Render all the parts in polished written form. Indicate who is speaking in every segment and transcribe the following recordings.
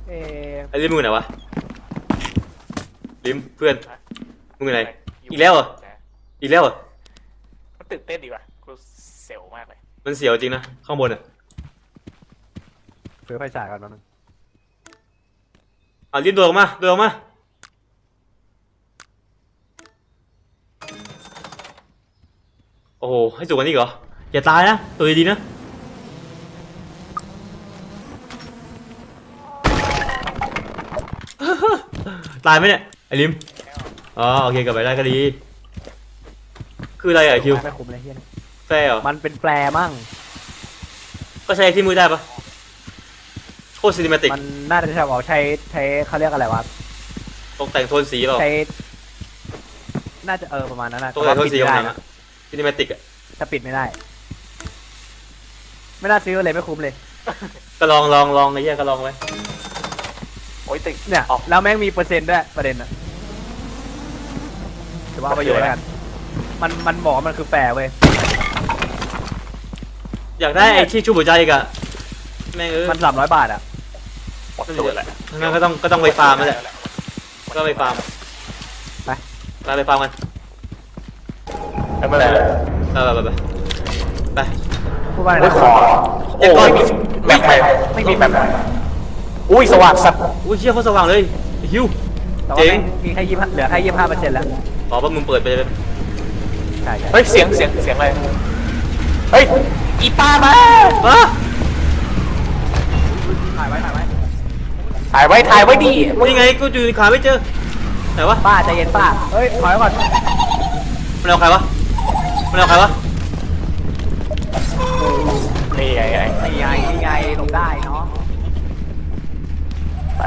Speaker 1: เออ
Speaker 2: ไอ้ลิมมึงไหนวะลิมเพื่อนมึงไหนอีกแล้วเหรออีกแล้วเหรอ
Speaker 3: มันตื่นเต้นดีว่ะกูเซลมากเลย
Speaker 2: มันเสียวจริงนะข้างบนอ่ะ
Speaker 1: ซื้อไฟฉายก่อนนึง
Speaker 2: ลิมโดดออกมาโดดออกมาโอ้โหให้สูงกว่านี้เหรออย่าตายนะตัวดีๆนะตายไหมเนี่ยไอ้ลิมอ๋อโอเคกลับไปได้ก็ดีคืออะไรอ่ะคิว
Speaker 1: ไม่คุ้มเลยเฮีย
Speaker 2: แฟร์เหรอ
Speaker 1: มันเป็นแปรมั่ง
Speaker 2: ก็ใช้ที่มือได้ปะโคตรซีนิเมติก
Speaker 1: มันน่าจะใช้บอกใช้เขาเรียกอะไรวะ
Speaker 2: ตกแต่งโทนสีเปล่า
Speaker 1: ใช้น่าจะประมาณนั้นนะ
Speaker 2: ตกแต่งโทนสีของหนัง
Speaker 1: นะ
Speaker 2: อะซีนิเมติกอะ
Speaker 1: ถ้าปิดไม่ได้ ไม่น่าซื้อเลยไม่คุ้มเลย
Speaker 2: ก็ลองไอ้เหี้ยก็ลองไว้
Speaker 3: โอ้ยติด
Speaker 1: เนี่ย
Speaker 3: ออก
Speaker 1: แล้วแม่งมีเปอร์เซ็นต์ด้วยประเด็นอะถือว่าเอาประโยชน์แล้วกันมันบอกว่ามันคือแปรเว้ย
Speaker 2: อยากได้ไอ้ที่ชูหัวใจอีกอะแม่ง
Speaker 1: มัน300 บาทอะ
Speaker 3: หมดตัวแหละ
Speaker 2: งั้นก็ต้องไปฟาร์มนั่นแหละก็ไปฟาร์ม
Speaker 1: ไป
Speaker 2: ไปฟาร์มกัน
Speaker 3: ไม่เป็นไร
Speaker 2: ไป
Speaker 1: พูดว่าอะไร
Speaker 3: โอ้ย
Speaker 1: นะ
Speaker 3: ขอโอ้ยแบบไม่มีแบบอุ้ยสว่างสัตว์
Speaker 2: อุ้ยเชี่ยโคตรสว่างเลยไอ้ฮิว
Speaker 1: แต่ว่าแม่งมีแค่25เหลือแค่25%แล้ว
Speaker 2: บอกว่ามึงเปิดไปเลย
Speaker 1: ใช่
Speaker 3: เฮ้ยเสียงอะไรเฮ้ยอีป้ามา
Speaker 2: อะ
Speaker 1: ถ่ายไว้
Speaker 3: ถ่ายไว้ดี
Speaker 2: นี่ไงกูอยู่ในขาไม่เจอไหนวะ
Speaker 1: ป้าใจเย็นป้าเฮ้ยถอยก่อน
Speaker 2: มันเอาใครวะมันเอาใครวะ
Speaker 3: นี่ไง
Speaker 1: นี่ไงลงได้เนาะ
Speaker 3: ไป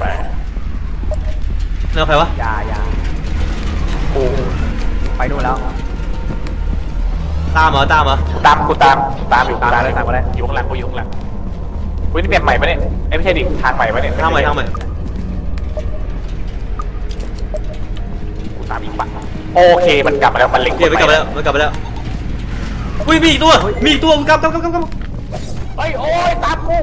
Speaker 2: มันเอาใครวะ
Speaker 1: อย่า
Speaker 3: กู
Speaker 1: ไปนู่นแล้ว
Speaker 2: ตามเหรอ
Speaker 3: ตามอยู่
Speaker 1: ตามมาเลย
Speaker 3: อยู่ข้างหลังอุ้ยนี่แบบใหม่ปะเนี่ยไม่ใช่ดิทางใหม่ปะเนี่ย
Speaker 2: ทางใหม่
Speaker 3: กูตามอีกปะโอเคมันกลับมาแล้วมันเล็ง
Speaker 2: เดี๋ยวมันกลับไปแล้วอุ้ยมีอีกตัวกลับ
Speaker 3: เฮ้ยโอ้ยตามกู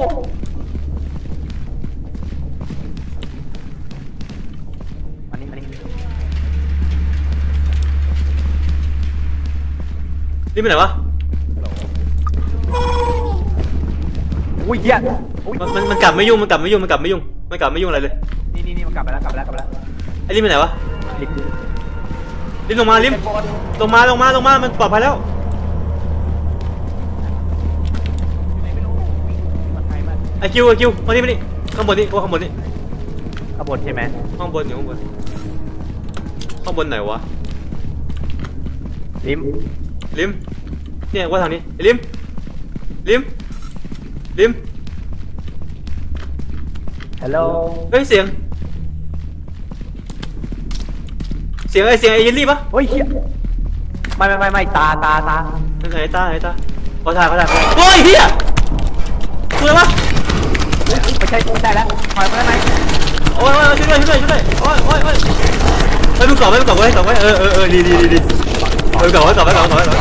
Speaker 1: มานี่
Speaker 2: นี่ไปไหนวะ
Speaker 1: อุ้ยเหี้ยอุ้ย
Speaker 2: มันกลับไม่ยุ่งอะไรเลย
Speaker 1: นี่มันกลับไปแล้ว
Speaker 2: ไอ้ลิมไปไหนวะ
Speaker 1: ลิฟต์
Speaker 2: ลิมลงมามันปลอดภัยแล้ว
Speaker 1: มันไกลมาก
Speaker 2: ไอ้คิวมานี่ข้างบนนี่ข้างบนนี่
Speaker 1: ขบวนใช่ไหม
Speaker 2: ข้างบนไหนวะ
Speaker 1: ลิม
Speaker 2: ลิมเนี่ยว่าทางนี้ไอ้ลิม
Speaker 1: ฮัลโหล
Speaker 2: เฮ้ยเสียงไอ้เยลลี่ปะ
Speaker 1: เฮ้ยเหี้ยไม่ตา
Speaker 2: ไหนตาขอถ่ายโอ้ยเฮียคืออะไรวะ
Speaker 1: ไม่ใช่แล้วถอยมาได้ไหม
Speaker 2: โอ้ยช่วยด้วยโอ้ยเฮ้ยมึงกอดไว้ดีกอดไว้ดี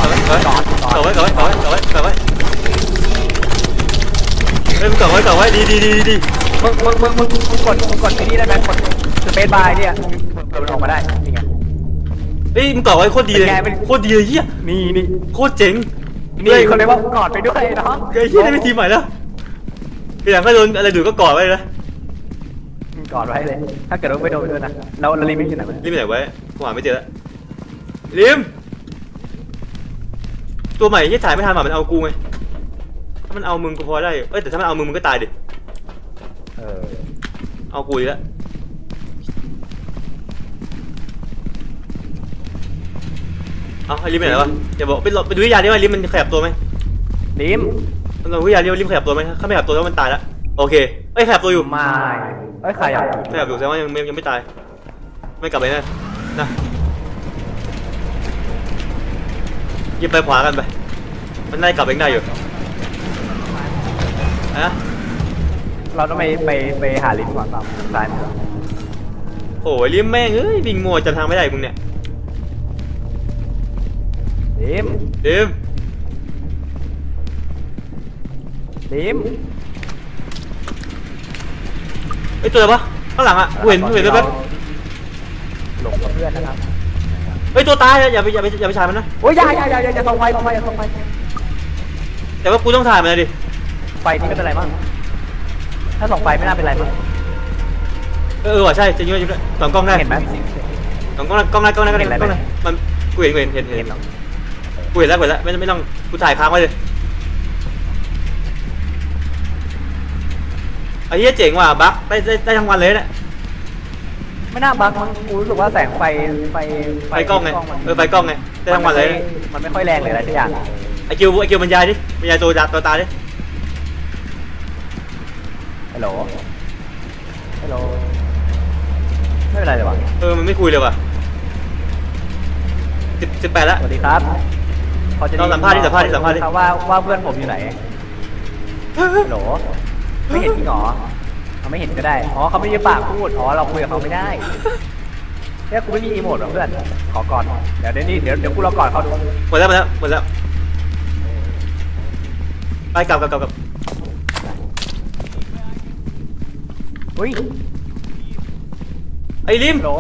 Speaker 1: มึงกดไอ้นี่ได้ไหมกดสเปซบาร์เนี่ยมันออกมาได้นี่ไง
Speaker 2: เฮ้ยมึงกอดไว้โคตรดีเลยเฮีย
Speaker 1: นี่
Speaker 2: โคตรเจ๋ง
Speaker 1: นี่คนเลยว่ากอดไปด้วยเนาะ
Speaker 2: ไอ้เฮียได้เป็นทีมใหม่แล้วทีหลังก็โดนอะไรดูก็กอดไว้นะ
Speaker 1: กอดไว้เลยถ้าเกิดว่าไม่โดนไปด้วยนะแล้วลิมไม่ที่ไหน
Speaker 2: ลิมไปไหนไว้กูหาไม่เจอแล้วลิมตัวใหม่ที่ถ่ายไม่ทันมันเอากูไงถ้ามันเอามึงกูพอได้แต่ถ้ามันเอามึงก็ตายดิเอากูอีกแล้วเอาไอ้ลิมไปไหนวะอย่าบอกไปดูวิทยาดิว่าลิมมันขยับตัวไหม
Speaker 1: ลิม
Speaker 2: มันลองวิทยาดิว่าลิมขยับตัวไหมถ้าไม่ขยับตัวแล้วมันตายแล้วโอเคขยับตัวอยู่
Speaker 1: ไม่ใครอ่ะ
Speaker 2: ขยับอยู่แสดงว่ายังไม่ตายไม่กลับไปนะยิงไปขวากันไปมันได้กลับเองได้อยู่ฮะ
Speaker 1: เราต้องไปหาลิมก่อนตามซ้ายมือ
Speaker 2: โอ้ยลิมแม่งวิ่งมัวจำทางไม่ได้มึงเนี่ย
Speaker 1: ลิม
Speaker 2: ลิมไอ้ตัวอะไรวะข้างหลังอ่ะกูเห็นแป๊บ
Speaker 1: หลงกับเพื่อนนะครับ
Speaker 2: ๆเฮ้ยตัวตายอย่าไปถ่ายมันนะ
Speaker 1: โอ้ยอย่าส่องไฟอย่าส่องไฟ
Speaker 2: แต่ว่ากูต้องถ่ายมันเลยดิ
Speaker 1: ไฟนี่ไม่เป็นไรมั้งถ้าส่องไฟไม่น่าเป็นไรมั้ง
Speaker 2: ว่ะใช่จริงด้วยสองกล้องได้
Speaker 1: เห็นไหม
Speaker 2: สองกล้องได้มันกูเห็นกูเห็นแล้วไม่ต้องกูถ่ายค้างไว้เลยไอ้เหี้ยเจ๋งว่ะบั๊กได้ทั้งวันเลยเนี่ย
Speaker 1: ไม่น่าบังมั้งกูรู้สึกว่าแสงไฟ
Speaker 2: ไฟกล้องไงไฟกล้องไงได้ทั้งวันเลย
Speaker 1: มันไม่ค่อยแรงเลยอะไรสักอย่าง
Speaker 2: ไอคิวบรรยายตัวตาดิ
Speaker 1: ฮัลโหลไม่เป็นไรเลยวะ
Speaker 2: มันไม่คุยเลยว่ะ18แล้ว
Speaker 1: สวัสดีครับ
Speaker 2: เราสัมภาษณ์ดิ
Speaker 1: ว่าเพื่อนผมอยู่ไหนฮัลโหลไม่เห็นจริงหรอเขาไม่เห็นก็ได้อ๋อเขาไม่ยืมปากพูดอ๋อเราคุยกับเขาไม่ได้เนี่ยกูไม่มีอีโมดหรอเพื่อนขอก่อนเดี๋ยวกูรอก่อนเขาดู
Speaker 2: หมดแล้วไปกลับ
Speaker 1: อุ้ย
Speaker 2: ไอ้ลิม
Speaker 1: ฮัลโหล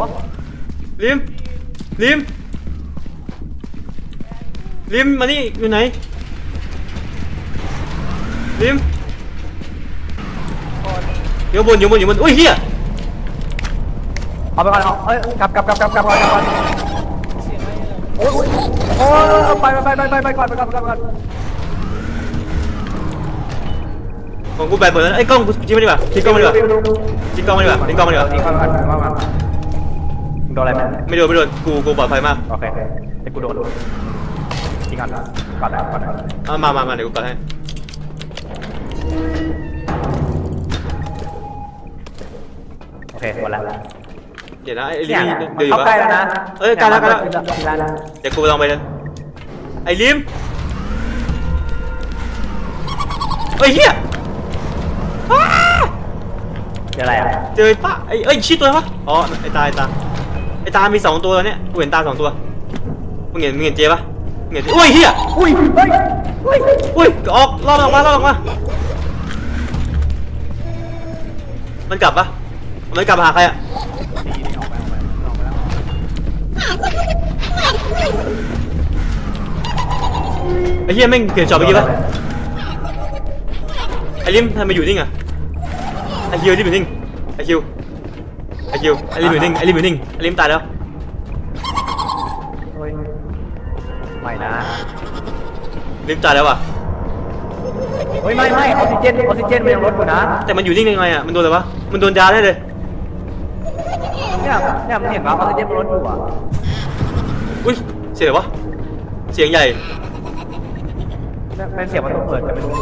Speaker 2: ลิมมานี่อยู่ไหนลิมอยู่บนอุ้ยเฮีย
Speaker 1: เอาไปก่อนเอ้ยกลับก่อนโอ้ยไปก่อน
Speaker 2: ของกูแบตหมดแล้วไอ้กล้องกูทิ้งมันดีกว่าทิ้งกล้องมันดีกว่า
Speaker 1: โดนอะไรไหม
Speaker 2: ไม่โดนกูปลอดภัยมาก
Speaker 1: โอเคแต่กูโดนทิ้งก่อนแล้ว
Speaker 2: มาเดี๋ยวกูปัดให้
Speaker 1: โอเคหมดแล้ว
Speaker 2: เดี๋ยวนะไอ้ลิ
Speaker 1: เนี่ย
Speaker 2: มเดี๋ยวอยู่
Speaker 1: เข้าใกล้แล้วนะ
Speaker 2: ใกล้แล้วเดี๋ยวกูลองไปเลยไอ้ลิมเฮ้ยเฮีย
Speaker 1: เจออะไรอ่ะ
Speaker 2: เจอปะไอ้ชี้ตัววะอ๋อไอ้ตามี2ตัวแล้วเนี่ยกูเห็นตา2ตัวมึงเห็นเจปะมึงเห็นอุ้ยเฮียอุ้ยออกรอบออกมามันกลับปะมันกลับมาหาใครอะไอ้เฮียแม่งเปลี่ยนจอไปกี่ปะไอ้ลิมทำไมอยู่นิ่งอะไอ้คิวที่อยู่นิ่งไอ้ลิมอยู่นิ่งไอ้ลิมตายแล้ว
Speaker 1: ไม่นะ
Speaker 2: ลิมตายแล้วว่ะ
Speaker 1: เฮ้ยไม่ออกซิเจนมันยังลดอยู่นะ
Speaker 2: แต่มันอยู่นิ่งยังไงอะมันโดนอะไรวะมันโดนยาได้เลย
Speaker 1: เนี่ยมันเห็นว่าออกซิเจนมันลดอยู่อ่ะ
Speaker 2: อุ้ยเสียงอะไรวะเสียงใหญ่
Speaker 1: เป็นเสียงมันต้องเปิดแต่ไม่รู้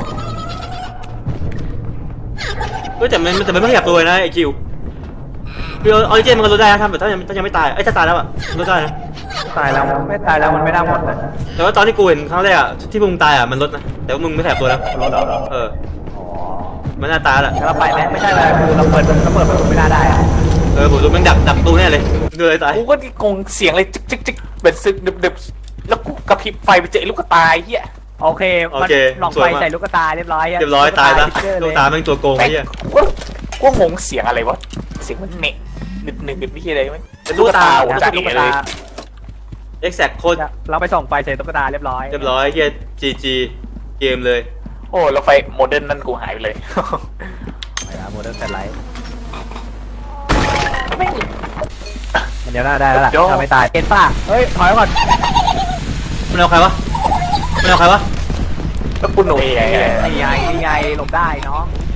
Speaker 2: แต่มันไม่ขยับตัวเลยนะไอ้คิวคือออริเจนมันก็ลดได้นะถ้ายังไม่ตายถ้าตายแล้วอะลดได้นะ
Speaker 1: ตายแล้วไม่ตายแล้วมันไม่น่าหมดเลย
Speaker 2: แต่ว่าตอนที่กูเห็นครั้งแรกอะที่มึงตายอะมันลดนะแต่ว่ามึงไม่ขยับตัวแล้ว
Speaker 1: ลดเหรอ
Speaker 2: มันน่าตายแหละ
Speaker 1: แล้วเราไปไหมไม่ใช่เลยคือเราเปิดประตูไม่น่าได้อะ
Speaker 2: ผมดูมันดักประตูแน่เลยดูเลยตาย
Speaker 3: กูก็กงเสียงเลยจึ๊กเป็นซึกดึบแล้วกูกระพริบไฟไปเจอลูกกระตายเฮีย
Speaker 1: โอเคมันหลอกไฟใส่ลูกตาเรียบร้อย
Speaker 2: ตายนะลูกตาแม่งตัวโกงไอ้เหี้ย
Speaker 3: กูงงเสียงอะไรวะเสียงมันเนะนึกนี่อะไรไหมเป็นลูกตาโอ้จัดเลย
Speaker 2: เอ็กแซคโคตร
Speaker 1: เราไปส่องไฟใส่ตุ๊กตาเรียบร้อย
Speaker 2: เฮียGGเกมเลย
Speaker 3: โอ้แล้วไฟโมเดิร์นนั่นกูหายไปเลย
Speaker 1: โมเดิร์นแฟลชไลท์มันเดี๋ยวน่าได้แล้วล่ะถ้าไม่ตายเอ็นป้าเฮ้ยถอยก่อน
Speaker 2: มันเอาใครวะ
Speaker 3: แล้วกูหนุ่ยไง
Speaker 1: นี่ไงหลบได้น้อง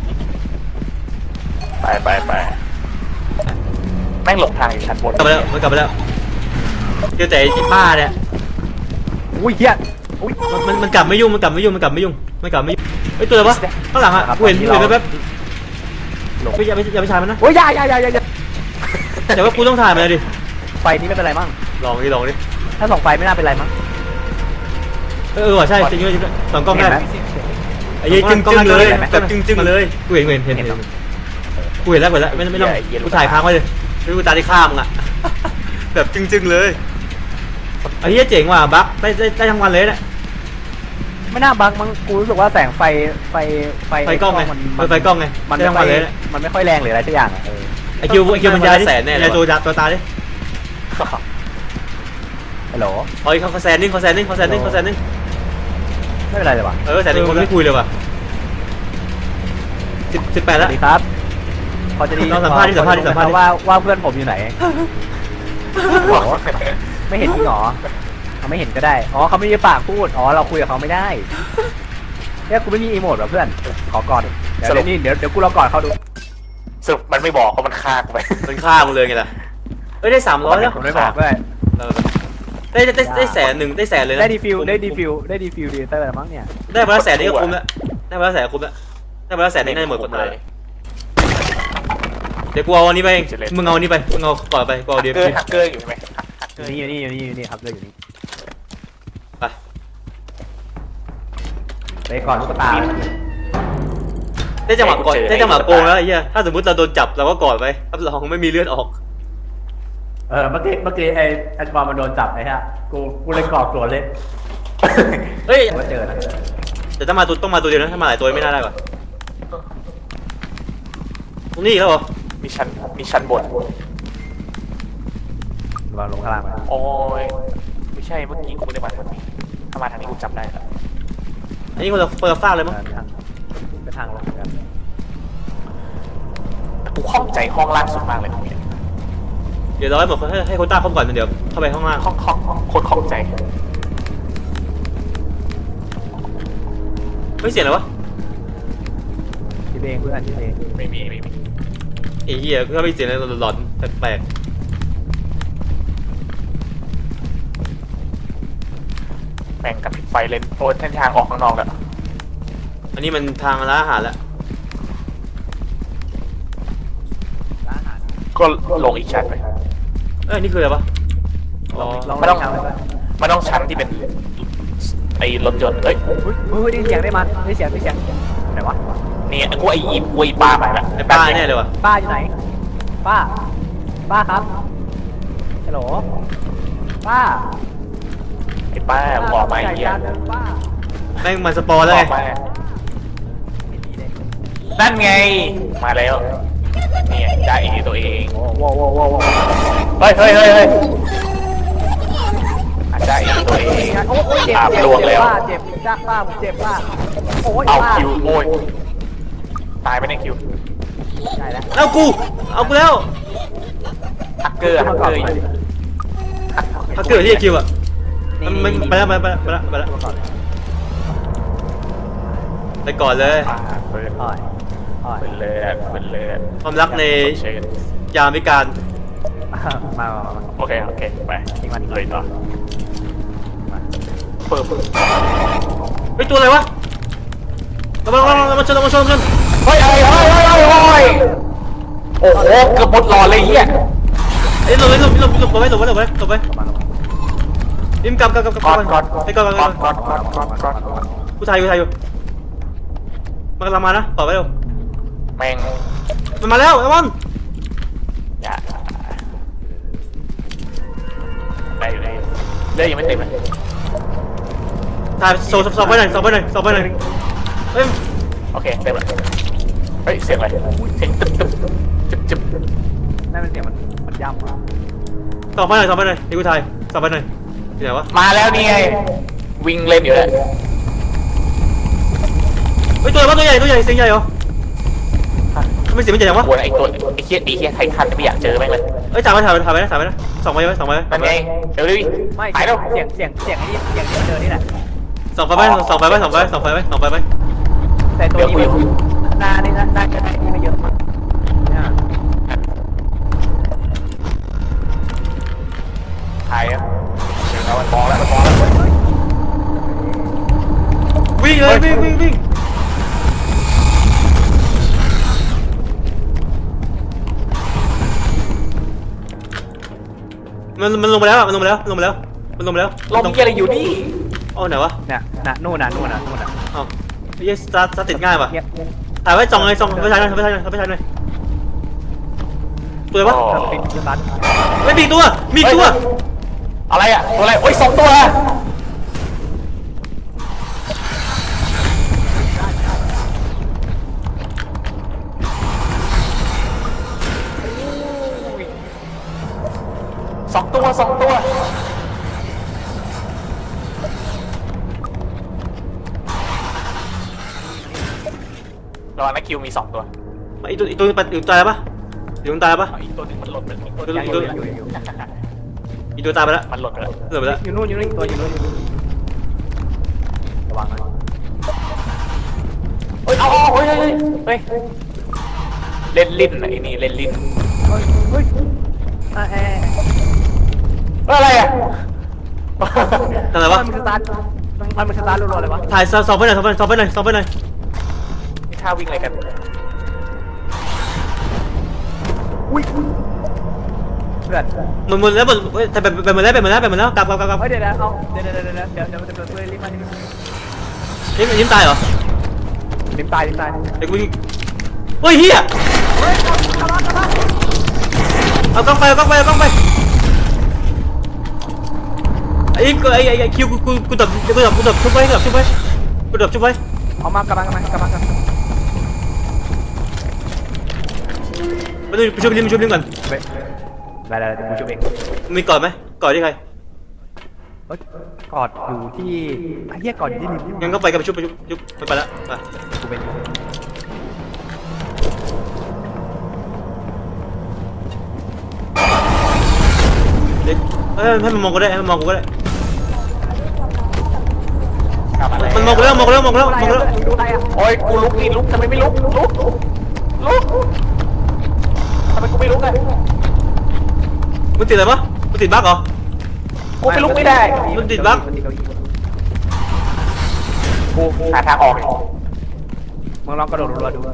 Speaker 3: ไปแม่งหลบทางอยู่ชั้นบน
Speaker 2: กลับไปแล้วเจอแต่ไอ้ป้าเนี่ย
Speaker 1: อุ้ยเฮียอุ้ย
Speaker 2: มันกลับไม่ยุ่งไอ้ตัวอะไรวะข้างหลังอะกูเห็นแป๊บอย่าไปถ่ายมันนะ
Speaker 1: โอ้ยอย่า
Speaker 2: แต่ว่ากูต้องถ่ายมันเลยดิ
Speaker 1: ไฟนี้ไม่เป็นไรมั้ง
Speaker 2: ลองดิ
Speaker 1: ถ้าส่องไฟไม่น่าเป็นไรมั้ง
Speaker 2: ว่ะใช่จริงด้วยสองกล้องได้ไอ้จึ้งเลยแบบจึ้งเลยกูเห็นกูเห็นแล้วไม่ต้องกูถ่ายค้างไว้เลยดูตาที่ข้ามอ่ะแบบจึ้งเลยไอ้เหี้ยเจ๋งว่ะบั๊กได้ทั้งวันเลยเนี่ย
Speaker 1: ไม่น่าบังมั้งกูรู้สึกว่าแสงไฟไฟ
Speaker 2: ไฟกล้องไง
Speaker 1: มัน
Speaker 2: ไฟกล้องไง
Speaker 1: มัน
Speaker 2: แจ้
Speaker 1: ไม่
Speaker 2: ง
Speaker 1: ค่อย
Speaker 2: มาเลย
Speaker 1: มันไม่ค่อยแรงหรืออะไรสักอย่างอ่ะ
Speaker 2: ไอคิวมันยาดิแสนแน่เลยตัวตาดิ
Speaker 1: ฮัลโหล
Speaker 2: เฮ้ยเขาแสนนึงเขาแสนนึง
Speaker 1: ไม่เป็นไรเลยว่ะ
Speaker 2: แสนนึงคนไม่คุยเลยว่ะ18
Speaker 1: ส
Speaker 2: แล้ว
Speaker 1: วัสดีครับพอจะดี
Speaker 2: ลองสัมภาษณ์ดิสัมภาษณ์ดิ
Speaker 1: ว่าเพื่อนผมอยู่ไหนไม่เห็นจริงหรอเขาไม่เห็นก็ได้อ๋อเขาไม่มีปากพูดอ๋อเราคุยกับเขาไม่ได้เนี่ยกูไม่มีอีโมดว่ะเพื่อนขอกอดเดี๋ยวกูรอกอดเขาดู
Speaker 3: สรุปมันไม่บอกเพราะมันฆ่ากูไป
Speaker 2: มันฆ่ามึงเลยไงล่ะเอ้ยได้300แล้ว
Speaker 1: ผมไม่บอกด้วย
Speaker 2: ได้แสนหนึ่งได้แสนเลยนะ
Speaker 1: ได้ดีฟิลดีเตอร์แล้วมั้งเนี่ย
Speaker 2: ได้มาแล้วแสนนี่ก็คุ้มแล้วได้มาแล้วแสนคุ้มแล้วได้มาแล้วแสนนี่น่าจะหมดกฎหมายเดี๋ยวกูเอาอันนี้ไปเองมึงเอาอันนี้ไปมึงเอาก่อนไปกูเอาเดี๋ยว
Speaker 3: ฮักเกอร์อยู่ใช่ไหม
Speaker 1: อยู่นี่ครับเลยอยู่นี่
Speaker 2: ไป
Speaker 1: ไปก่อนลูกตา
Speaker 2: ได้จังหวะก่อนได้จังหวะโกงแล้วไอ้เหี้ยถ้าสมมติเราโดนจับเราก็กอดไปรับรองไม่มีเลือดออก
Speaker 1: เมื่อกี้ไอ้บอลมันโดนจับไอ้ฮะกูเลยกอดสวนเลย
Speaker 2: เฮ้ย
Speaker 1: ก็เจอนะ
Speaker 2: แต่ต้องมาตัวเดียวนะถ้ามาหลายตัวไม่น่าได้ป่ะตรงนี้อีกแล้วเหรอ
Speaker 3: มีชั้นบน
Speaker 1: วางลงข้างล่างไป
Speaker 3: โอ้ยไม่ใช่เมื่อกี้กูไม่ได้มาทางนี้ถ้ามาทางนี้กูจำได้แล้ว
Speaker 2: อันนี้คนละฟากเลยมั้ง
Speaker 1: ไปทางลงกัน
Speaker 3: กูข้องใจห้องล่างสุดมากเลยตรงนี้
Speaker 2: เดี๋ยวเราให้หมดให้โค้ต้าเข้าก่อนเดี๋ยวเข้าไปข้างล่าง
Speaker 3: ห้องโคตรข้องใจ
Speaker 2: ไม่เสียงเลยวะ
Speaker 1: คิดเองเพื่อนคิดเอง
Speaker 3: ไม่มี
Speaker 2: ไอ้เหี้ยก็ไม่เสียงอะไรหลอนๆแปลก
Speaker 3: แม่งกับปิดไฟเลนโอ้เส้นทางออกข้างนอกแล้ว
Speaker 2: ๆอันนี้มันทางร้านอาหารแล้ว
Speaker 3: ก็ลงอีกชั้นไป
Speaker 2: เอ้ยนี่คืออะไรวะอ๋อ
Speaker 1: ลอง
Speaker 3: ไม่ต้อง
Speaker 1: ทางเลยไหม
Speaker 3: มันต้องชั้นที่เป็นไอ้รถยนต์เอ้ย
Speaker 1: ได้เสียงได้มันได้เสียงไหนวะ
Speaker 3: นี่กูไอ้ป้าไปละ
Speaker 2: ไอ้ป้าแน่เลยว่ะ
Speaker 1: ป้าอยู่ไหนป้าครับฮัลโหลป้า
Speaker 3: ไอ้ป้ามึงออกมาไอ้เหี้ย
Speaker 1: ป้า
Speaker 2: แม่งมันสปอร์แล้ว
Speaker 3: อ
Speaker 2: ไง
Speaker 3: อกมานั่นไงมาแล้วนี่จ่าเอตัวเอง
Speaker 1: ว้าว
Speaker 3: เฮ้ยจ่าเอตัวเอง
Speaker 1: โอ้ยเจ็บ
Speaker 3: ลวงแล้ว
Speaker 1: เจ็บจ้าป้าผมเจ็บป้าโอ้ย
Speaker 3: เอา
Speaker 1: ป้า
Speaker 3: คิวโอ้ยตายไปในคิว
Speaker 1: ใช่แล้ว
Speaker 2: เอากูแล้ว
Speaker 3: ฮักเกอร์อยู่
Speaker 2: ถ้าเกิดที่คิวอ่ะมันไปแล้วไปก่อนเลย
Speaker 3: เปิด
Speaker 1: อ่อย
Speaker 3: เป็นเลือด
Speaker 2: ความรักในยามวิการ
Speaker 1: มา
Speaker 3: โอเคไป
Speaker 1: ทิ้งมัน
Speaker 3: เลยต่อเปิด
Speaker 2: ไอ้ตัวอะไรวะมาชน
Speaker 3: เฮ้ยโอ้โหเกือบหมดหลอดเลยเหี้ย
Speaker 2: ไอ้หลบไปริมกำไปก่อนกูถ่ายอยู่มันกำลังมานะต่อไปเร็ว
Speaker 3: แม่ง
Speaker 2: มันมาแล้วไอ้บอล
Speaker 3: อย่าได้อยู่เลยเลือดยังไม่เต็มเลย
Speaker 2: ถ่ายสอบไปหน่อยเฮ้ย
Speaker 3: โอเคเต็มเลยเฮ้ยเสียงอะไรเสียงจึ๊บ
Speaker 1: นั่นเป็นเสียงมันย่ำอ่ะ
Speaker 2: สอบไปหน่อยที่กูถ่ายสอบไปหน่อยที่ไหนวะ
Speaker 3: มาแล้วนี่ไงวิ่งเล่นอยู่เลย
Speaker 2: เฮ้ยตัวใหญ่เสียงใหญ่เหรอทำไมเสียงมันใหญ่จังวะ
Speaker 3: กวนไอ้เหี้ยไททันไม่อยากเจอแม่งเลย
Speaker 2: เอ้ยถ่ายไปนะส่องไป
Speaker 3: นั่นไงเดี๋ยวดิ
Speaker 1: ไม่
Speaker 3: หายแล้ว
Speaker 1: เสียงไอ้นี่เสียงที่เจอนี่แหละ
Speaker 2: ส่องไป
Speaker 1: แต่ตัวนี้หน้านี่น่าจะได้นี่ไม่เยอะมากเนี่ย
Speaker 3: หายอ่ะเดี๋ยวมันมองแล้ว
Speaker 2: วิ่งเลยวิ่งมันลงไปแล้ว
Speaker 3: ลมเหี้ยอะไรอยู่นี่
Speaker 2: อ๋อไหนวะ
Speaker 1: เนี่ยนู่น
Speaker 2: อ๋อไอ้เหี้ยสตาร์ทติดง่ายป่ะถ่ายไว้ส่องไปถ่ายหน่อยตัวอะไรวะ
Speaker 1: ปิดบัตร
Speaker 2: ไม่มีตัว
Speaker 3: อะไรอ่ะตัวอะไรโอ้ย2 ตัวสองตัวรอนะคิวมี2 ตัว
Speaker 2: อีตัวปัดอีกตายปะอีกตัวตายปะ
Speaker 3: อีกตัวหนึงมันหล่นไปแล้ว
Speaker 1: ยังอยู่ยังอยู่
Speaker 2: อีตัวตายไปแล้ว
Speaker 3: มันหล่นไปแล้ว
Speaker 2: เหลือไปแล้ว
Speaker 1: อยู่นู่นอีกตัวอยู่นู่นระวังนะ
Speaker 3: เฮ้ยเอาเฮ้ยเล่นลิ้นไอ้นี่เล่นลิ้น
Speaker 1: เฮ้ย
Speaker 3: อะไรอ่ะ
Speaker 2: ทำไรวะ
Speaker 1: มันสตาร์ทรัวๆเลยวะ
Speaker 2: ถ่ายสอบไปหน่อยสอบไปหน่อย
Speaker 3: นี่ท่าวิ่งอะไรกัน
Speaker 1: อุ้ยเพื่อน
Speaker 2: หมดแล้วแต่ไปหมดแล้วกลับ
Speaker 1: เฮ้ยเดี๋ยวเอาเดี๋ยวรีบมา
Speaker 2: ยิ้มตายเหรอ
Speaker 1: ริมตาย
Speaker 2: เด็กกูเฮ้ยเฮียเอากล้องไปไอ้คิวกูดับชุบไว้กูดับชุบไว้
Speaker 1: เอามากำลัง
Speaker 2: มาดูไปชุบลิมก่อน
Speaker 1: ได้กูช่วยเอง
Speaker 2: มีกอดไหมกอดที่ใคร
Speaker 1: กอดอยู่ที่ไอ้เหี้ยกอดอยู่ที่ริม
Speaker 2: งั้นก็ไปกันไปชุบไปแล้วไป
Speaker 1: กูเป็น
Speaker 2: ให้มันมองกูได้ให้มันมองกูก็ได้
Speaker 3: กลับมาแล้ว
Speaker 2: มันมองกูแล้ว
Speaker 1: ดูอะไรอ่ะ
Speaker 3: โอ้ยกูลุกทำไมไม่ลุกทำไมกูไม่ลุกอ่ะ
Speaker 2: มึงติดอะไรปะมึงติดบั๊กเหรอ
Speaker 3: กูไม่ลุกไม่ได้
Speaker 2: มันติดบั๊ก
Speaker 3: กูหาทางออก
Speaker 1: มึงลองกระโดดรัวดู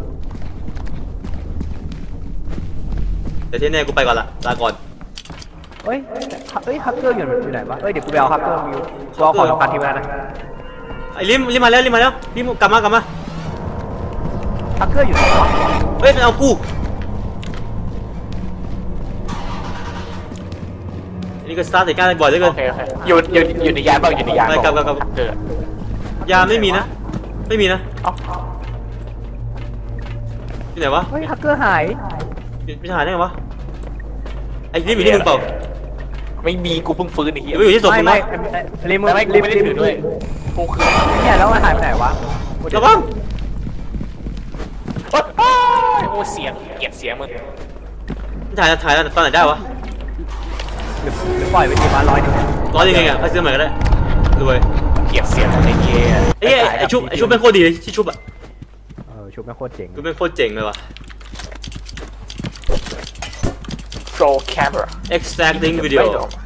Speaker 2: แต่ที่แน่กูไปก่อนละลาก่อน
Speaker 1: เฮ้ยฮักเกอร์อยู่ไหนวะเฮ้ยเดี๋ยวกูไปเอาฮักเกอร์มิวกูเอาของสำคัญที่มานะ
Speaker 2: ไอ้ลิมมาแล้วลิมกลับมา
Speaker 1: ฮักเกอร์อยู่ไหนวะ
Speaker 2: เฮ้ยมันเอากูนี่ก็สตาร์ทติดการบ่อยเหลือเกิ
Speaker 3: โอน เคอยู่ในยานบ้างอยู่ในยาน
Speaker 2: กลับ
Speaker 3: เกิด
Speaker 2: ยามไม่มีนะ
Speaker 3: เอ้า
Speaker 2: ที่ไหนวะ
Speaker 1: เฮ้ยฮักเกอร์หาย
Speaker 2: ไม่หายได้ไงวะไอ้ลิมอยู่ที่มึงเปล่า
Speaker 3: ไม่มีกูเพิ่งฟื้นไอ้เหี้ย
Speaker 2: อยู่ที่ศพมึง
Speaker 1: ไม่
Speaker 2: วะ
Speaker 1: ริม
Speaker 3: ไม่กูไม่ได้ถือด้วยกูคือ
Speaker 1: เนี่ยแล้วมันหายไปไหนวะ
Speaker 2: ระวัง
Speaker 3: โอ้เสียงเกลียดเสียงมึง
Speaker 2: ถ่ายตอนไหนได้วะ
Speaker 1: หรือปล่อยไปทีมา100 นึง
Speaker 2: ร้อยยังไงอ่ะไปซื้อใหม่ก็ได้รวย
Speaker 3: เกลียดเสียงไอ้เหี้ย
Speaker 2: ไอ้ชุบเป็นโคตรดีเลยที่ชุบอ่ะ
Speaker 1: ชุบแม่งโคตรเจ๋ง
Speaker 2: ชุบเป็นโคตรเจ๋งเลยว่ะ
Speaker 3: โปรแคมเปอร์
Speaker 2: extracting video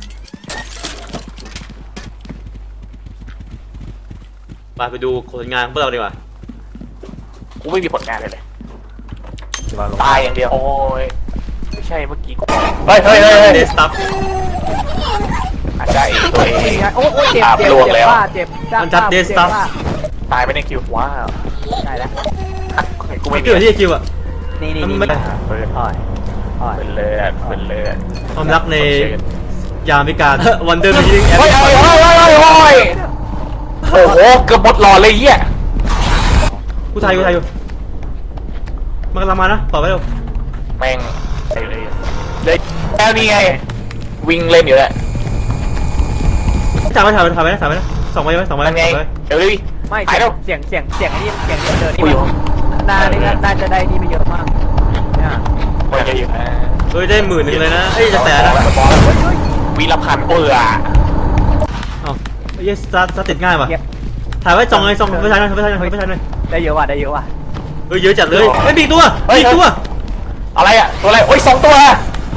Speaker 2: ไปดูผลงานของพวกเราดีกว่า
Speaker 3: กูไม่มีผลงานเลยตายอย่างเดียวโอ้ยไม่ใช่เมื่อกี้กูเฮ้ย
Speaker 2: เดสตัฟ
Speaker 3: อาจจะเองตัวเอง
Speaker 1: โอ้ยเจ็บเจ็บตายไปในคิวว้าวได้แล้ว
Speaker 3: กู
Speaker 2: ไม่
Speaker 3: ไม่
Speaker 2: เกี่ยวที่คิวอ่ะ
Speaker 1: นี่
Speaker 3: เปิด
Speaker 1: อ่อย
Speaker 3: เป็นเลือด
Speaker 2: ความรักในยามวิกาล วันเดอร์มิงแอป
Speaker 3: โอ้ยโอ้โหเกือบหมดหลอดเลยเหี้ย
Speaker 2: กูถ่ายอยู่มันกำลังมานะต่อไปเร็ว
Speaker 3: แม่งเลยแล้วนี่ไงวิ่งเล่นอยู่แล้ว
Speaker 2: ถ่ายไปนะส่องไป
Speaker 3: นั่นไงเดี๋ยวดิ
Speaker 1: ไม่
Speaker 3: ถ่ายแล้ว
Speaker 1: เสียงนี่เดินนี่น่าจะได้นี่ไม่เยอะมากเนี่ย
Speaker 3: มันจะอยู่นะ
Speaker 2: เฮ้ยได้10,000เลยนะเฮ้ยจะแสนนะ
Speaker 3: วีรพันธ์
Speaker 2: อ้าวไอ้เหี้ยสตาร์ทติดง่ายป่ะถ่ายไว้ส่องไปถ่ายหน่อย
Speaker 1: ได้เยอะว่ะ
Speaker 2: เฮ้ยเยอะจัดเลยไม่มีตัว
Speaker 3: อะไรอ่ะตัวอะไรโอ้ย2 ตัว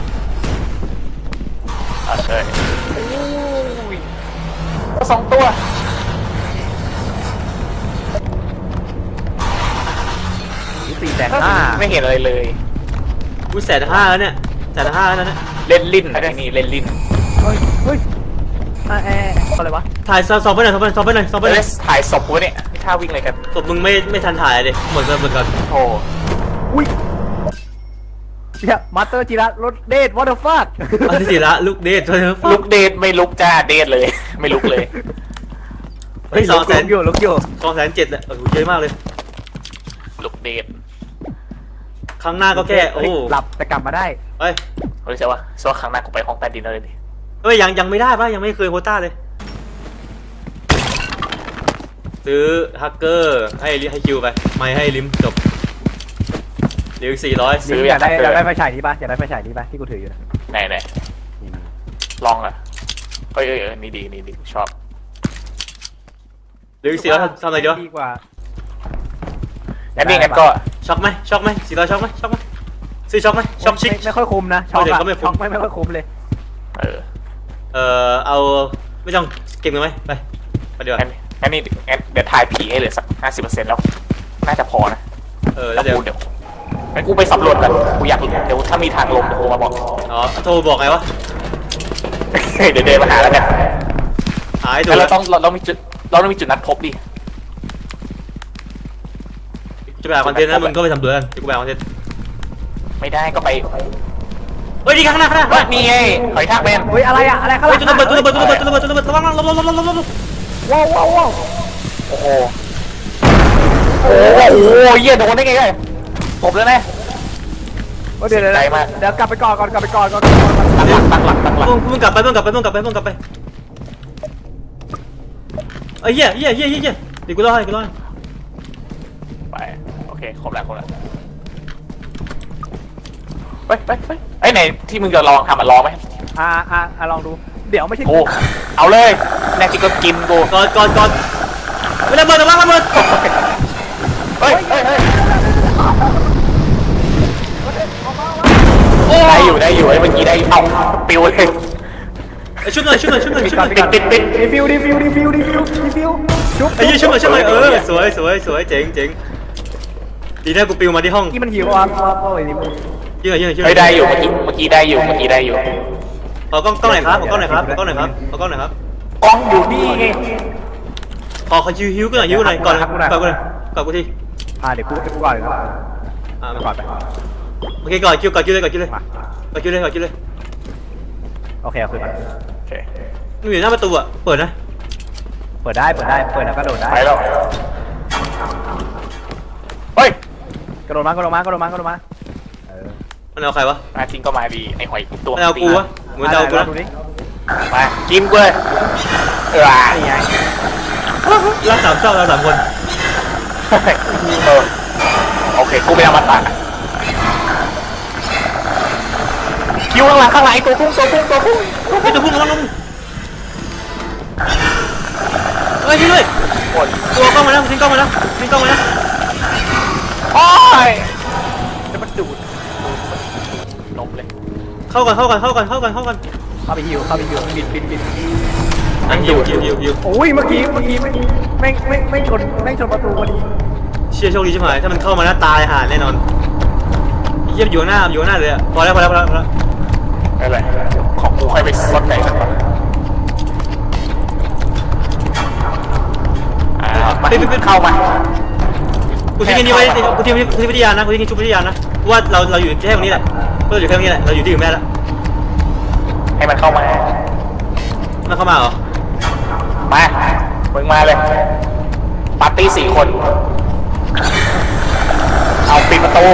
Speaker 3: เฮ้ย2 ตัว
Speaker 1: 450,000
Speaker 3: ไม่เห็นอะไรเลย
Speaker 2: กู150,000แล้วเนี่ย150,000แล้วเนี่ย
Speaker 3: เล่นลิ้นอะไรนี่เล่นลิ้น
Speaker 1: เฮ้ยอะไรวะ
Speaker 2: ถ่ายส่องไปหน่อย
Speaker 3: ถ่ายศพกูเนี่ยท่าวิ่งอะไรกัน
Speaker 2: ศพมึงไม่ทันถ่ายเลยหมดกัน
Speaker 3: โอ้
Speaker 1: อุ้ยเนี่ยมาสเตอร์จิระรถเดทวอเตอร์ฟัค
Speaker 2: อันที่สี่ละลูกเดท
Speaker 3: ลุกเดทไม่ลุกจ้าเดทเลยไม่ลุกเลย
Speaker 2: เฮ้ย200,000
Speaker 1: ลุกอยู่
Speaker 2: 207,000เลยโอ้โหเยอะมากเลย
Speaker 3: ลุกเดท
Speaker 2: ครั้งหน้าก็แค่โอ้
Speaker 1: หลับแต่กลับมาได้
Speaker 2: เฮ้ย
Speaker 3: รู้ใช่ปะครั้งหน้ากูไปห้องใต้ดินแล้วเลยดิ
Speaker 2: เอ้ยยังไม่ได้ป่ะยังไม่เคยโควต้าเลยซื้อฮักเกอร์ให้คิวไปไม่ให้ลิมจบเหลืออีก400
Speaker 1: ซื้ออยากได้ไฟฉายนี้ปะอยากได้ไฟฉายนี้ปะที่กูถืออยู่นะ
Speaker 3: ไหนลองอ่ะเอ้ยนี่ดีชอบ
Speaker 2: เหลืออีก400ทำอะไรดีวะ
Speaker 1: ดีกว่า
Speaker 3: งั้นนี่งั้นก็
Speaker 2: ช็อกไหม400ช็อกไหมซื้อช็อกไหมช็อกชิค
Speaker 1: ไม่ค่อยคุ้มนะช็อก
Speaker 2: เดี๋ยว
Speaker 1: อะ
Speaker 2: ก็ไม่คุ้ม
Speaker 1: ช็อกไม่ค่อยคุ้มเลย
Speaker 2: เอาไม่ต้องเก็บเงินไหมไปดีกว่า
Speaker 3: งั้นนี่เดี๋ยวถ่ายผีให้เหลือสัก 50%แล้วน่าจะพอนะ
Speaker 2: แล้วเดี๋ยว
Speaker 3: งั้นกูไปสำรวจกันกูอยากเดี๋ยวถ้ามีทางลงเดี๋ยวโทรมาบอก
Speaker 2: อ๋อโทรบอกไงวะ
Speaker 3: เดี๋ยวเดินมาหาแล้วกัน
Speaker 2: หายตัว
Speaker 3: แล้วเราต้องมีจุดนัดพบดิ
Speaker 2: จะไปหาคอนเทนต์นะมึงก็ไปทำตัวกันจะกูไปหาคอนเทนต์
Speaker 3: ไม่ได้ก็ไป
Speaker 2: เฮ้ยดีข้างหน้า
Speaker 3: นี่ไงหอยทากแมน
Speaker 1: เฮ้ยอะไรอะอะไรข้างห
Speaker 2: เฮ้
Speaker 1: ลั
Speaker 2: ย
Speaker 1: ง
Speaker 2: จุดระเบิดระวังลบ
Speaker 1: ว้าว
Speaker 3: โอ้โหเหี้ยโดนได้ไงจบแล้วนะ
Speaker 1: เดี๋ยว
Speaker 3: ใจมาก
Speaker 1: เดี๋ยวกลับไปก่อน
Speaker 3: ตั้งหลัก
Speaker 2: มึงกลับไปเอ้ยเหี้ยเดี๋ยวกูเล่าให้
Speaker 3: ไปโอเคครบแล้วไปไอ้ไหนที่มึงจะลองทำลองไหม
Speaker 1: ลองดูเดี๋ยวไม่ใช่
Speaker 3: โอ้เอาเลยแน่จริงก็กินกู
Speaker 2: ก่อนไม่ระเบิดระเบิด
Speaker 3: เฮ้ยได้อยู่ไอ้เมื่อกี้ได้เอาปิวเลย
Speaker 2: ชุบหน่อย
Speaker 3: ปิด
Speaker 1: รีฟิวชุบ
Speaker 2: ไอ้ยี่ชุบหน่อยสวยเจ๋งดีนะกูปิวมาที่ห้อง
Speaker 1: ที่มันหิวอ่ะโอ้ยนี่
Speaker 2: ยิง
Speaker 3: เฮ้ยได้อยู่เมื่อกี้ได้อยู่
Speaker 2: เอากล้องไหนครับกล้องไหนครับ
Speaker 3: กล้องอยู่นี่ไง
Speaker 2: ขอฮิวกูหน่อยก่อนกูที
Speaker 1: เดี๋ยวกูก่อนเลยนะก่อนไป
Speaker 2: โอเคก่อนคิวเลย
Speaker 1: โอเคเอาคืนมา
Speaker 3: โอเค
Speaker 2: มึงอยู่หน้าประตูอ่ะเปิดนะ
Speaker 1: เปิดแล้วก็โดดได้
Speaker 3: ไปแล้วเฮ้ย
Speaker 1: กระโดดมา
Speaker 2: มันเอาใครวะ
Speaker 3: มาจริงก็มาดีไอ้หอยตัว
Speaker 2: มันเอากูวะเหมือนเอากูนะ
Speaker 1: ดูดิ
Speaker 3: มากินกูเลย
Speaker 1: นี่ไง
Speaker 2: รัก3 เศร้าเรา3 คน
Speaker 3: โอเคกูไปเอามาตัดคิวข้างหลังไอ้ตัวพุ่ง
Speaker 2: ไอ้ตัวพุ่งลงเฮ้ยช่วยด้วย
Speaker 3: หมด
Speaker 2: ตัวกล้องมาแล้วทิ้งกล้องมาแล้ว
Speaker 3: โอ้ยจะมันดูดล้มเลย
Speaker 2: เข้ากัน
Speaker 1: เข้าไปฮิวบิน
Speaker 2: อันฮิว
Speaker 1: โอ้ยเมื่อกี้ไม่ชนประตูพอดี
Speaker 2: เชี่ยโชคดีชิบหายถ้ามันเข้ามาแล้วตายห่าแน่นอนเยี่ยมอยู่หน้าเลยพอแล้ว
Speaker 3: อะไรของกูค่อยไปซดไหนสักหน่อยเข้ามา
Speaker 2: กูทิ้งนี่ไว้กูทิ้งวิทยานะกูทิ้งชุบวิทยานะว่าเราอยู่แค่ตรงนี้แหละเราอยู่แค่ตรงนี้แหละเราอยู่ที่อื่นไม่ได้แล้ว
Speaker 3: ให้มันเข้ามา
Speaker 2: มันเข้ามาเหรอ
Speaker 3: มามึงมาเลยปาร์ตี้4 คนเอาปิดประตู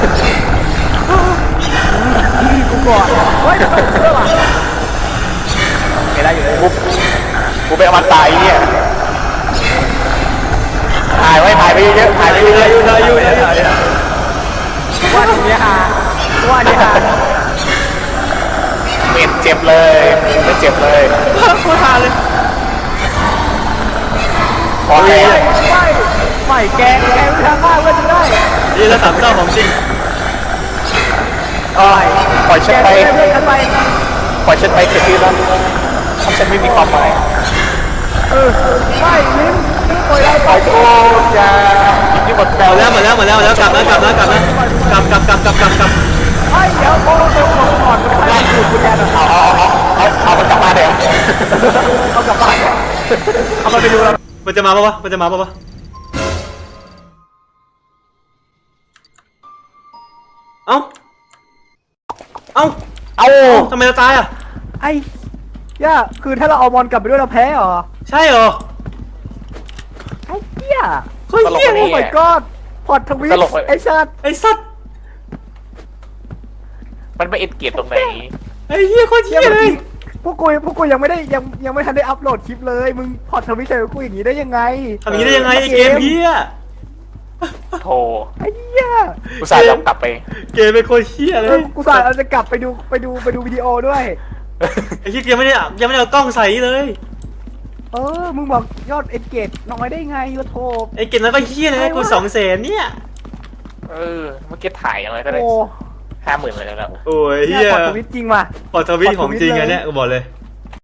Speaker 1: กูก่อนเฮ้ยเรื่องอะไรไม่ได้อยู่เลย
Speaker 3: กูไปเอามันตายเนี่ยถ่ายไปเยอะถ่ายไปเยอะ
Speaker 1: ว่าทีนี้ฮา
Speaker 3: เม็ดเจ็บเลยไม่เจ็บเลย
Speaker 2: โคตรฮาเลย
Speaker 3: พอแล้ว
Speaker 1: ไม่แกงทางบ้านก็จะได้
Speaker 2: นี่แล้ว3 เศร้าของจริง
Speaker 3: ปล่อยฉันไป
Speaker 1: เพื่อนกันไป
Speaker 3: ปล่อยฉันไปเถอะที่รักเพราะฉันไม่มีความหมาย
Speaker 1: ไม่ลิ้มปล่อยเรา
Speaker 3: ปล่อยโทษอย่าที่หมดแปล
Speaker 2: หมดแล้วกลับไม่เดี๋ยว
Speaker 1: ไอ้เดี๋ยวพอเราเติมก่อนมันได้ดูดกุญแจหน่อย
Speaker 3: เอามันกลับมาเดี๋ยว
Speaker 1: เอากลับบ้านเอาไปดูแล้ว
Speaker 2: มันจะมาปะวะเอ้าทำไมเราตายอ่ะ
Speaker 1: ไอ้ย่าคือถ้าเราเอาบอลกลับไปด้วยเราแพ้เหรอ
Speaker 2: ใช่เหรอ
Speaker 1: ไอ้เหี้ย
Speaker 2: เฮ้ย
Speaker 1: โอ้ my god พอดทวิตไอ้ชาติ
Speaker 2: ไอ้สัตว์
Speaker 3: มันไม่เอ็นเกียรตรงไหน
Speaker 2: ไอ้เหี้ยโคตรเหี้ยเลย
Speaker 1: พวกกูยังไม่ได้ยังไม่ทันได้อัพโหลดคลิปเลยมึงพอดทวิตใส่กูอย่างนี้ได้ยังไง
Speaker 2: ทำอย่างนี้ได้ยังไงไอ้เกมเฮีย
Speaker 3: โธ่
Speaker 1: ไอ้เหี้ย
Speaker 3: อุตส่าห์ยอมกลับไป
Speaker 2: เกมเป็นโคตรเฮียเลย
Speaker 1: กูสายเราจะกลับไปดูวิดีโอด้วย
Speaker 2: ไอ้เฮียยังไม่ได้เอากล้องใส่เลย
Speaker 1: มึงบอกยอดเอ็นเกจน้อยได้ไงวะโทบ
Speaker 2: ไอ้เกมนั้นก็เฮียเลยกู200,000เนี่ย
Speaker 3: เมื่อกี้ถ่ายยังไงก็ได้
Speaker 1: โอ้
Speaker 3: 50,000เลยแล้ว
Speaker 2: โอ้ยเฮี
Speaker 1: เนี่ย
Speaker 2: ย
Speaker 1: พอดทวิตจริงว่ะ
Speaker 2: พอทวิตของจริงอันเนี้ยกูบอกเลย